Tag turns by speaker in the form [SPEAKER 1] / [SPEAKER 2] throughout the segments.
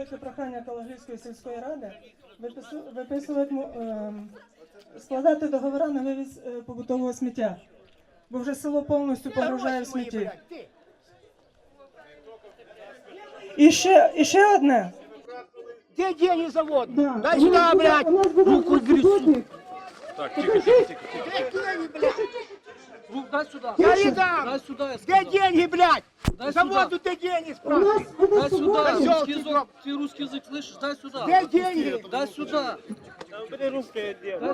[SPEAKER 1] велике прохання Калагрівської сільської ради виписувати, складати договори на вивіз побутового сміття, бо вже село повністю погружає в смітті. І ще одне.
[SPEAKER 2] Где деньги завод?
[SPEAKER 1] Да.
[SPEAKER 2] Дай сюда, блядь!
[SPEAKER 1] Руку грязь.
[SPEAKER 3] Так, тихо.
[SPEAKER 4] Дай сюда.
[SPEAKER 2] Я не дам!
[SPEAKER 4] Дай сюда, я
[SPEAKER 2] Где
[SPEAKER 4] сказал.
[SPEAKER 2] деньги, блядь?
[SPEAKER 4] Дай
[SPEAKER 2] Заводу ты деньги спрашивай!
[SPEAKER 4] Дай сюда.
[SPEAKER 2] Козёл
[SPEAKER 4] Русский
[SPEAKER 2] ты,
[SPEAKER 4] язык, ты русский язык слышишь? Дай сюда.
[SPEAKER 2] Где деньги?
[SPEAKER 4] Дай сюда. Дай сюда.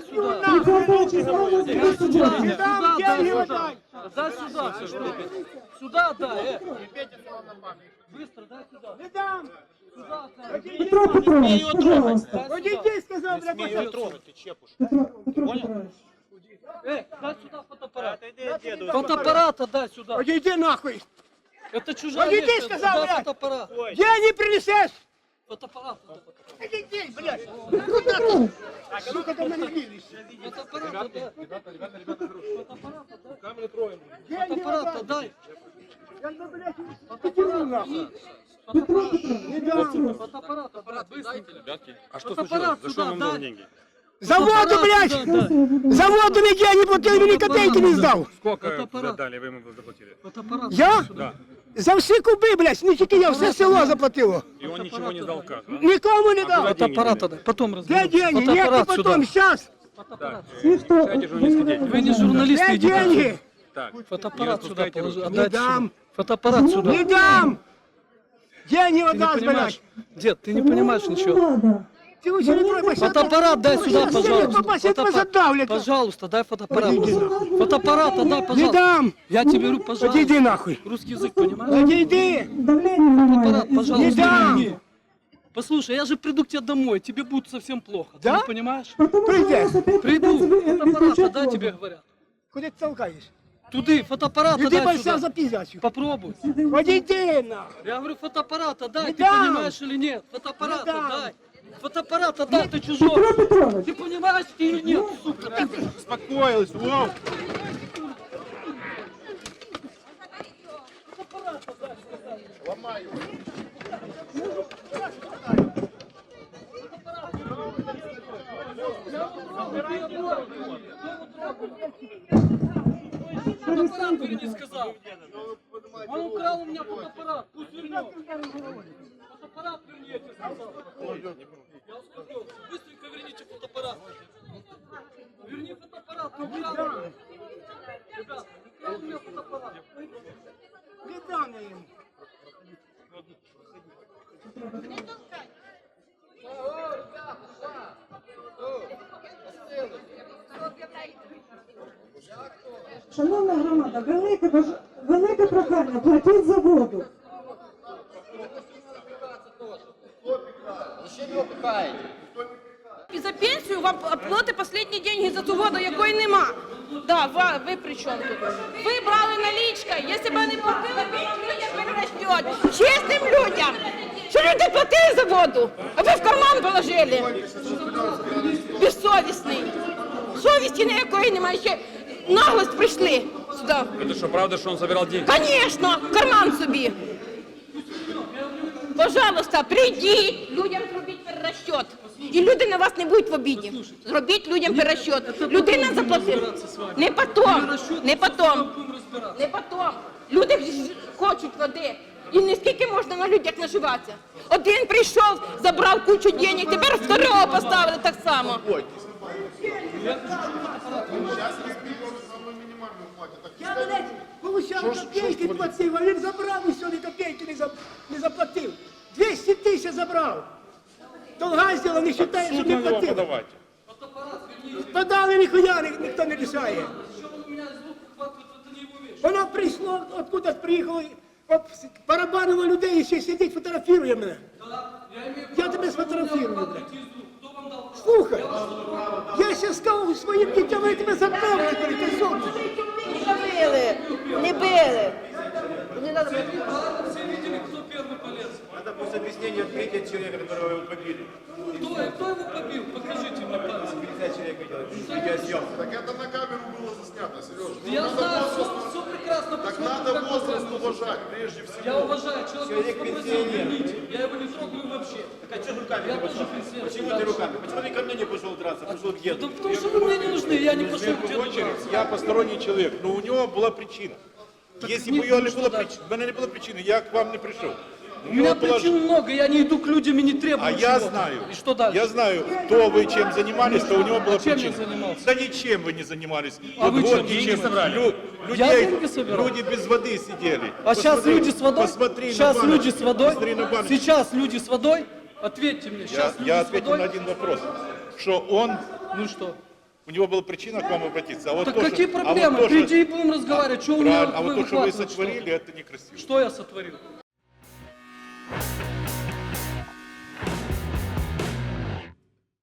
[SPEAKER 2] Не дам деньги,
[SPEAKER 4] Дай
[SPEAKER 2] дай!
[SPEAKER 4] Дай сюда. Сюда дай. Быстро дай сюда.
[SPEAKER 2] Не дам!
[SPEAKER 4] Сюда дай.
[SPEAKER 1] Петро Петрович, пожалуйста.
[SPEAKER 2] Вот иди, сказал, блядь, пошел.
[SPEAKER 3] трогать, ты чепушь.
[SPEAKER 1] Петро Петрович.
[SPEAKER 4] Дай сюда фотоаппарат. Фотоаппарат дай сюда.
[SPEAKER 2] Вот иди нахуй!
[SPEAKER 4] Это чужая
[SPEAKER 2] Иди,
[SPEAKER 4] вещь.
[SPEAKER 2] сказал,
[SPEAKER 4] Дай
[SPEAKER 2] блядь.
[SPEAKER 4] фотоаппарат.
[SPEAKER 2] Деньги принесешь!
[SPEAKER 4] Фотоаппарат.
[SPEAKER 2] Иди, блядь! Куда ты? Сука, ты меня видишь?
[SPEAKER 4] Фотоаппарат дай.
[SPEAKER 3] Камеры троем.
[SPEAKER 2] Деньги
[SPEAKER 4] Фотоаппарат дай.
[SPEAKER 2] Я, блядь, покину нахуй! Не дам!
[SPEAKER 4] Фотоаппарат быстро.
[SPEAKER 3] А что
[SPEAKER 4] Фотоаппарат
[SPEAKER 3] случилось? За что
[SPEAKER 4] сюда,
[SPEAKER 3] вам
[SPEAKER 4] дай.
[SPEAKER 3] нужны деньги?
[SPEAKER 2] Заводу, блядь! Заводу нигде я не платил, ни копейки не сдал!
[SPEAKER 3] Сколько
[SPEAKER 4] Фотоаппарат.
[SPEAKER 3] дали, вы ему заплатили?
[SPEAKER 4] Фотоаппарат.
[SPEAKER 2] Я?
[SPEAKER 3] Да.
[SPEAKER 2] За все куби, блядь, не тільки я, все село заплатило.
[SPEAKER 3] И он ничего не дал как? Да?
[SPEAKER 2] Никому не дал.
[SPEAKER 4] Фотоаппарат дай. Потом
[SPEAKER 2] Где
[SPEAKER 4] разберемся.
[SPEAKER 2] деньги? Нет, не
[SPEAKER 4] Фотоаппарат
[SPEAKER 2] потом,
[SPEAKER 4] сюда.
[SPEAKER 2] сейчас.
[SPEAKER 3] Так, решайте журналистский деятель.
[SPEAKER 4] Вы не журналисты,
[SPEAKER 2] Где
[SPEAKER 4] идите.
[SPEAKER 2] деньги?
[SPEAKER 3] Так,
[SPEAKER 4] Фотоаппарат
[SPEAKER 3] не
[SPEAKER 4] сюда
[SPEAKER 3] распускайте
[SPEAKER 4] положи.
[SPEAKER 3] руки.
[SPEAKER 2] Не
[SPEAKER 4] Отдайте
[SPEAKER 2] дам.
[SPEAKER 4] сюда. Фотоаппарат сюда.
[SPEAKER 2] Не дам. Деньги
[SPEAKER 4] Ты не
[SPEAKER 2] отдаст,
[SPEAKER 4] понимаешь,
[SPEAKER 2] блядь.
[SPEAKER 4] дед, ты не понимаешь ничего.
[SPEAKER 2] Ты лучше не трогай.
[SPEAKER 4] Фотоаппарат дай сюда, пожалуйста.
[SPEAKER 2] Попасть, задавлять.
[SPEAKER 4] Пожалуйста, дай фотоаппарат. Фотоаппарат дай,
[SPEAKER 2] Не
[SPEAKER 4] пожалуйста.
[SPEAKER 2] дам.
[SPEAKER 4] Я тебе говорю, пожалуйста.
[SPEAKER 2] Иди нахуй.
[SPEAKER 4] Русский язык понимаешь?
[SPEAKER 2] Иди.
[SPEAKER 1] Давление нормально.
[SPEAKER 4] Фотоаппарат, пожалуйста.
[SPEAKER 2] Не дам.
[SPEAKER 4] верни. Послушай, я же приду к тебе домой, тебе будет совсем плохо. Ты
[SPEAKER 2] Да?
[SPEAKER 4] не понимаешь?
[SPEAKER 2] Придешь.
[SPEAKER 4] Приду, фотоаппарат дай тебе говорят.
[SPEAKER 2] Куда ты толкаешь?
[SPEAKER 4] Туды, фотоаппарат
[SPEAKER 2] Иди
[SPEAKER 4] дай
[SPEAKER 2] большая
[SPEAKER 4] сюда.
[SPEAKER 2] за пиздячью.
[SPEAKER 4] Попробуй.
[SPEAKER 2] Вот иди нахуй.
[SPEAKER 4] Я говорю, фотоаппарат дай,
[SPEAKER 2] Не
[SPEAKER 4] ты
[SPEAKER 2] дам.
[SPEAKER 4] понимаешь или нет? Фотоаппарат
[SPEAKER 2] Не дам.
[SPEAKER 4] дай. Фотоаппарат дай, ты чужой.
[SPEAKER 1] Петро Петрович.
[SPEAKER 4] Ты понимаешь или нет, сука?
[SPEAKER 3] Успокоилась, вау!
[SPEAKER 4] Фотоаппарат верни, сказал. Он украл у меня фотоаппарат, пусть вернет. Фотоаппарат верни, я тебе сказал. Я успокоился. Быстренько верните фотоаппарат. Верни фотоаппарат, ты украл. Ребят, украл у меня фотоаппарат.
[SPEAKER 2] Не дам я ему.
[SPEAKER 1] Шановна громада, велике прохання, платіть за воду.
[SPEAKER 5] І за пенсію вам платять останні деньги за ту воду, якої нема. Да, ви при чому тут? Ви брали налічка, якщо б не платили, то вам людям перерастет. Чесним людям. Що люди платили за воду, а ви в карман положили. Безсовісний. Совісті ніякої немає, ще наглость прийшли сюди.
[SPEAKER 3] Это что, правда, что он собирал деньги?
[SPEAKER 5] Конечно, в карман собі. Пожалуйста, прийдіть, людям зробіть перерасчет. І люди на вас не будуть в обіді. Зробіть людям перерасчет. Людина заплатила. Не потом, не потом, не потом. Люди хочуть води. І не скільки можна на людях наживатися. Один прийшов, забрав кучу денег, тепер второго поставили так само.
[SPEAKER 2] Я, блядь, получав копейки платив, а він забрав і сьогодні копейки не заплатив. 200 тисяч забрав. Долга зробив, не вважає, що
[SPEAKER 3] Суд
[SPEAKER 2] не
[SPEAKER 3] на него
[SPEAKER 2] платив.
[SPEAKER 3] подавайте.
[SPEAKER 2] Подали ніхуя, ніхто не рішає. Воно прийшло, откуда приїхало, барабанило людей і ще сидить, фотографірує мене. Я тебе сфотографірую, блядь. Слухай, я ще сказав своїм дітям, вони тебе запевнили, козьол.
[SPEAKER 5] Не били, не били.
[SPEAKER 4] Все видели, кто первый полез.
[SPEAKER 6] Надо пусть объяснение ответить человека, которого его побили.
[SPEAKER 4] Кто его побил? Покажите мне пальцем.
[SPEAKER 6] 50 человек видел. Видеосъемка.
[SPEAKER 7] Так это на камеру было заснято, Сережа.
[SPEAKER 4] Я знаю, все прекрасно.
[SPEAKER 7] Так
[SPEAKER 4] посмотрите,
[SPEAKER 7] надо
[SPEAKER 4] как
[SPEAKER 7] возраст
[SPEAKER 4] вы
[SPEAKER 7] уважать, прежде всего.
[SPEAKER 4] Я уважаю, человек
[SPEAKER 6] Человек
[SPEAKER 4] попросил
[SPEAKER 6] пенсионер.
[SPEAKER 4] верните. Я его не трогаю вообще.
[SPEAKER 6] руками не пошел? Почему ты руками? Почему ты ко мне не пошел драться, пошел к деду?
[SPEAKER 4] Да потому что вы мне не нужны, я не пошел к деду драться.
[SPEAKER 7] Я посторонний человек, но у него была причина. Если
[SPEAKER 4] не-
[SPEAKER 7] бы ее не
[SPEAKER 4] что
[SPEAKER 7] было
[SPEAKER 4] дальше?
[SPEAKER 7] причины, у меня не было причины, я к вам не пришел.
[SPEAKER 4] У меня причин много, я не иду к людям и не требую
[SPEAKER 7] А я
[SPEAKER 4] чего-то.
[SPEAKER 7] знаю,
[SPEAKER 4] И что дальше?
[SPEAKER 7] я знаю, кто вы чем занимались, то у него была
[SPEAKER 4] чем
[SPEAKER 7] причина.
[SPEAKER 4] я занимался?
[SPEAKER 7] Да ничем вы не занимались.
[SPEAKER 4] А вы чем?
[SPEAKER 3] Деньги собрали?
[SPEAKER 4] Я деньги собирал?
[SPEAKER 7] Люди без воды сидели.
[SPEAKER 4] А сейчас
[SPEAKER 7] Посмотри,
[SPEAKER 4] люди с водой?
[SPEAKER 7] Посмотри
[SPEAKER 4] Сейчас
[SPEAKER 7] на баночку,
[SPEAKER 4] люди с водой?
[SPEAKER 7] посмотри на баночку.
[SPEAKER 4] Сейчас люди с водой? Ответьте мне, сейчас люди
[SPEAKER 7] Я
[SPEAKER 4] с
[SPEAKER 7] ответил
[SPEAKER 4] водой?
[SPEAKER 7] на один вопрос, что он,
[SPEAKER 4] Ну что?
[SPEAKER 7] у него была причина к вам обратиться. А вот
[SPEAKER 4] Так
[SPEAKER 7] то,
[SPEAKER 4] какие
[SPEAKER 7] что- а вот
[SPEAKER 4] проблемы?
[SPEAKER 7] то, что-
[SPEAKER 4] Приди и будем разговаривать, что у меня
[SPEAKER 7] Правильно, а вот то, что вы
[SPEAKER 4] выхватывать
[SPEAKER 7] сотворили,
[SPEAKER 4] что-то?
[SPEAKER 7] это некрасиво.
[SPEAKER 4] Что я сотворил?